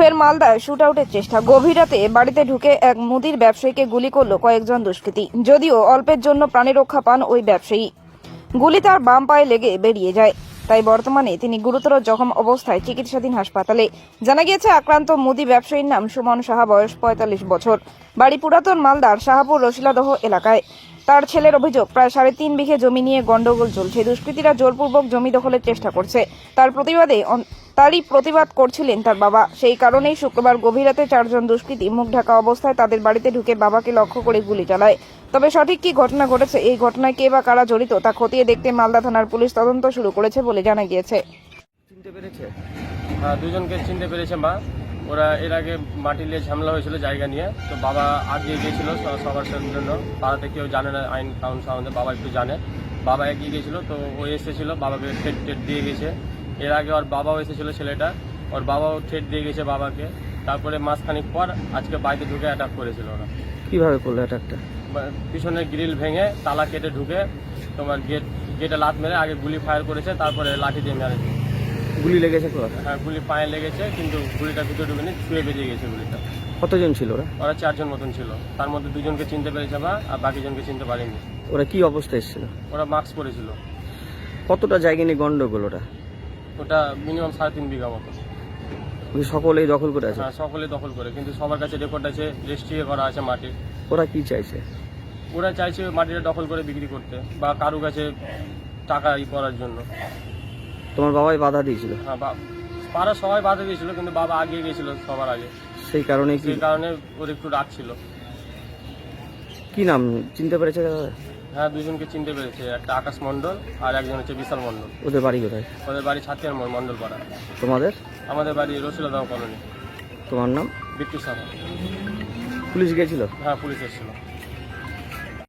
ফের মালদায় শুট আউটের চেষ্টা। গভীর রাতে বাড়িতে ঢুকে এক মুদির ব্যবসায়ীকে গুলি করল কয়েকজন দুষ্কৃতী। যদিও অল্পের জন্য প্রাণে রক্ষা পান ওই ব্যবসায়ী, গুলি তার বাম পায়ে লেগে বেরিয়ে যায়। তাই বর্তমানে তিনি গুরুতর জখম অবস্থায় চিকিৎসাধীন হাসপাতালে। জানা গিয়েছে আক্রান্ত মুদি ব্যবসায়ীর নাম সুমন সাহা, বয়স ৪৫ বছর, বাড়ি পুরাতন মালদার শাহপুর রসিলাদহ এলাকায়। তার ছেলের অভিযোগ, প্রায় ৩.৫ বিঘে জমি নিয়ে গন্ডগোল চলছে। দুষ্কৃতীরা জোরপূর্বক জমি দখলের চেষ্টা করছে। তারই প্রতিবাদ করছিলেন তার বাবা। সেই কারণেই শুক্রবার গভীর রাতে ৪ জন দুষ্কৃতী মুখ ঢাকা অবস্থায় তাদের বাড়িতে ঢুকে বাবাকে লক্ষ্য করে গুলি চালায়। তবে সঠিক কি ঘটনা ঘটেছে, এই ঘটনায় কে বা কারা জড়িত তা খতিয়ে দেখতে মালদা থানার পুলিশ তদন্ত শুরু করেছে বলে জানা গিয়েছে। চিনতে পেরেছে? হ্যাঁ, দুজনকে চিনতে পেরেছে মা। ওরা এর আগে মাটি নিয়ে ঝামেলা হয়েছিল জায়গা নিয়ে, তো বাবা আগিয়ে গিয়েছিল সবার জন্য। পাড়াতে কেউ জানে না আইন কানুন সম্বন্ধে, বাবা একটু জানে। বাবা এগিয়ে গিয়েছিল, তো ও এসেছিল, বাবাকে ঠেট দিয়ে গেছে। এর আগে ওর বাবাও এসেছিল, ছেলেটা ওর বাবাও ঠেট দিয়ে গেছে বাবাকে। তারপরে মাসখানিক পর আজকে বাড়িতে ঢুকে অ্যাটাক করেছিল ওরা। কিভাবে করলো অ্যাটাকটা? পিছনের গ্রিল ভেঙে তালা কেটে ঢুকে তোমার গেটে লাত মেরে আগে গুলি ফায়ার করেছে, তারপরে লাঠি দিয়ে মেরেছে। গুলি লেগেছে তো? হ্যাঁ, গুলি পায়ে লেগেছে, কিন্তু গুলিটা ভিতরে ঢুকেনি, ছুঁয়ে বেরিয়ে গেছে গুলিটা। কতজন ছিল ওরা? ওরা 4 জন মতন ছিল, তার মধ্যে 2 জনকে চিনতে পেরেছে মা, আর বাকি জনকে চিনতে পারেনি। ওরা কি অবস্থায় এসেছিল? ওরা মাস্ক পরেছিল। কতটা জায়গা নিয়ে গন্ডগোল ওটা? ওটা মিনিমাম 3.5 বিঘা মতো। ওই সকলেই দখল করে আছে? হ্যাঁ, সকলে দখল করে, কিন্তু সবার কাছে রেকর্ড আছে, রেজিস্ট্রি করা আছে মাটি। ওরা কি চাইছে? ওরা চাইছে মাটিটা দখল করে বিক্রি করতে বা কারো কাছে টাকা করার জন্য। তোমার বাবাই বাধা দিয়েছিল? হ্যাঁ, পাড়া সবাই বাধা দিয়েছিল, কিন্তু বাবা আগিয়ে গিয়েছিল সবার আগে। সেই কারণে কি? সেই কারণে ওর একটু রাগ ছিল। কি নাম চিনতে পেরেছে? হ্যাঁ, 2 জনকে চিনতে পেরেছে, একটা আকাশ মণ্ডল আর একজন হচ্ছে বিশাল মণ্ডল। ওদের বাড়ি কোথায়? ওদের বাড়ি ছাতিয়ার মোড়, মণ্ডল পাড়া। তোমাদের? আমাদের বাড়ি রসিলাদহ কলোনি। তোমার নাম? বিট্টু সাহা। পুলিশ গিয়েছিল? হ্যাঁ, পুলিশ এসেছিল।